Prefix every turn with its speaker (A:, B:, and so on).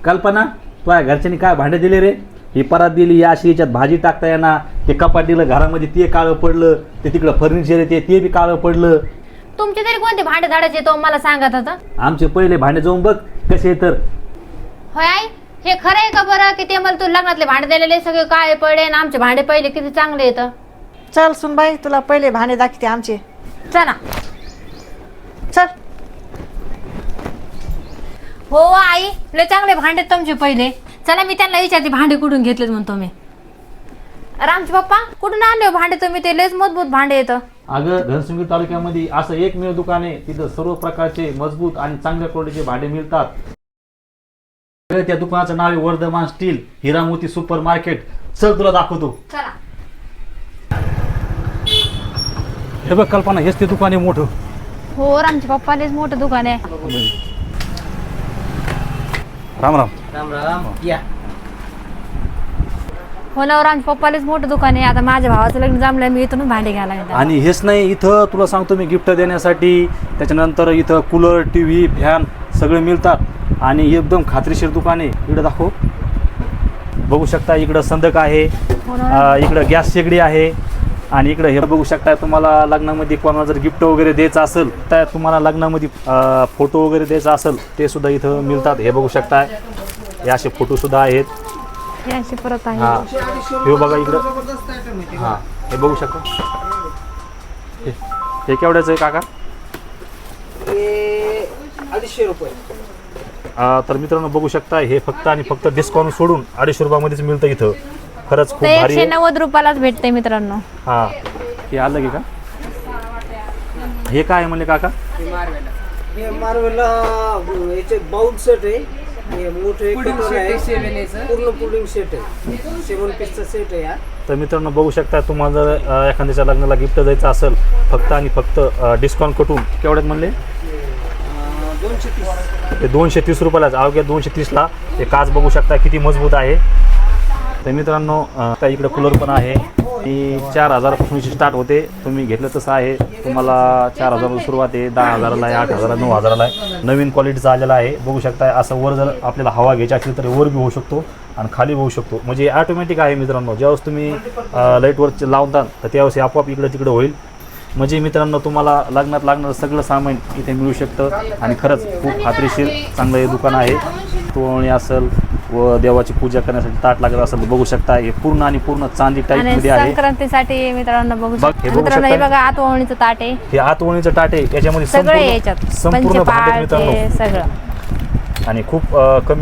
A: कल्पना तुझ्या घरच्यांनी काय भांडे दिले रे? ही परात दिली, या अशी याच्यात भाजी टाकता येणार, ते कपाट दिलं घरामध्ये ते काळं पडलं, ते तिकडं फर्निचर आहे ते बी काळं पडलं.
B: तुमचे तरी कोणते भांडे धाडायचे तो मला सांगत होता.
A: आमचे पहिले भांडे जाऊन बघ कसे तर.
B: होय आई, हे खरं आहे का बरं की ते मला तू लग्नातले भांडे दिलेले सगळे काळे पडले आणि आमचे भांडे पहिले किती चांगले येतं?
C: चल सुनबाई तुला पहिले भांडे दाखवते आमचे.
B: चला.
C: चल.
B: हो आई, लय चांगले भांडे तुमचे पहिले. चला मी त्यांना विचारते भांडे कुठून घेतलेत म्हणतो मी. रामचे पप्पा कुठून आणले भांडे तुम्ही? ते लयच मजबूत भांडे येतं.
A: अगं घनसंगी तालुक्यामध्ये असं एकमेव दुकान आहे तिथं सर्व प्रकारचे मजबूत आणि चांगल्या क्वालिटीचे भांडे मिळतात. त्या दुकानाचं नाव आहे Vardhaman steel Hiramoti super market. चल तुला दाखवतो.
B: चला.
A: हे बघ कल्पना, हेच ते दुकान आहे मोठं.
B: हो रामचे पप्पा लयच मोठं दुकान आहे.
A: राम राम.
D: राम राम या.
B: हो ना, रामचे पप्पा लयच मोठं दुकान आहे. आता माझ्या भावाचं लग्न जमलंय, मी इथून भांडे घ्यायला येते.
A: आणि हेच नाही, इथं तुला सांगतो मी गिफ्ट देण्यासाठी त्याच्यानंतर इथं कूलर टीव्ही फॅन सगळे मिळतात आणि एकदम खात्रीशीर दुकान आहे. इकडं दाखव, बघू शकता. इकडं संदक आहे, इकडं गॅस शेगडी आहे आणि इकडं हे बघू शकता. तुम्हाला लग्नामध्ये कोणाला जर गिफ्ट वगैरे द्यायचं असेल तर तुम्हाला लग्नामध्ये फोटो वगैरे द्यायचा असेल ते सुद्धा इथं मिळतात. हे बघू शकता, हे असे फोटो सुद्धा आहेत.
B: हे अशी परत आहे.
A: हां हे बघा इकडं. हां हे बघू शकता. हे केवढ्याचं आहे काका?
D: 250 रुपये.
A: तर मित्रांनो बघू शकता, हे फक्त आणि फक्त डिस्काउंट सोडून 250 रुपयामध्येच मिळतं इथं. खरंच खूप
B: ते
A: भारी आहे.
B: 190 रुपयालाच भेटते मित्रांनो.
A: हां हे आलं की का? हे काय आहे म्हणले काका?
D: हे मार्वेला याचे बाउल सेट आहे. हे मोठे कटोरे आहे, पूर्ण पुडिंग सेट आहे. 7 पीसचा सेट आहे हा.
A: तर मित्रांनो बघू शकता, तुम्हाला जर एखाद्याच्या लग्नाला गिफ्ट द्यायचं असेल फक्त आणि फक्त डिस्काउंट कटून केवढ्यात म्हणले?
D: 230.
A: ते 230 रुपयालाच. अवघ्या 230ला हे काच बघू शकता किती मजबूत आहे. तर मित्रांनो आता इकडे कूलर पण आहे. ही 4000पासून स्टार्ट होते. तुम्ही घेतलं तसं आहे. तुम्हाला 4000 सुरुवात आहे, 10,000ला आहे, 8,000, 9,000ला आहे. नवीन क्वालिटीचा आलेला आहे. बघू शकता असं वर जर आपल्याला हवा घ्यायची असली तर वर बी होऊ शकतो आणि खाली होऊ शकतो. म्हणजे ऑटोमॅटिक आहे मित्रांनो. ज्यावेळेस तुम्ही लाईटवर लावतात तर त्यावेळेस आपोआप इकडं तिकडं होईल. म्हणजे मित्रांनो तुम्हाला लग्नात लागणारं सगळं सामान इथे मिळू शकतं आणि खरंच खूप खात्रीशीर चांगलं हे दुकान आहे. तोरणी असेल व देवाची पूजा करण्यासाठी ताट लागत असेल तर बघू शकता. हे पूर्ण आणि पूर्ण चांदी टाईप मध्ये आहे.
B: संक्रांतीसाठी मित्रांनो बघू
A: बघ, हे
B: शकता.
A: बघू
B: मित्रांनो हे
A: शकता.
B: बघा आतवणीचं ताट आहे.
A: हे आतवणीचं ताट आहे. त्याच्यामध्ये
B: सगळे याच्यात
A: संपूर्ण भांडे
B: पंचपाळ
A: मित्रांनो
B: ते सगळं
A: आणि खूप कमी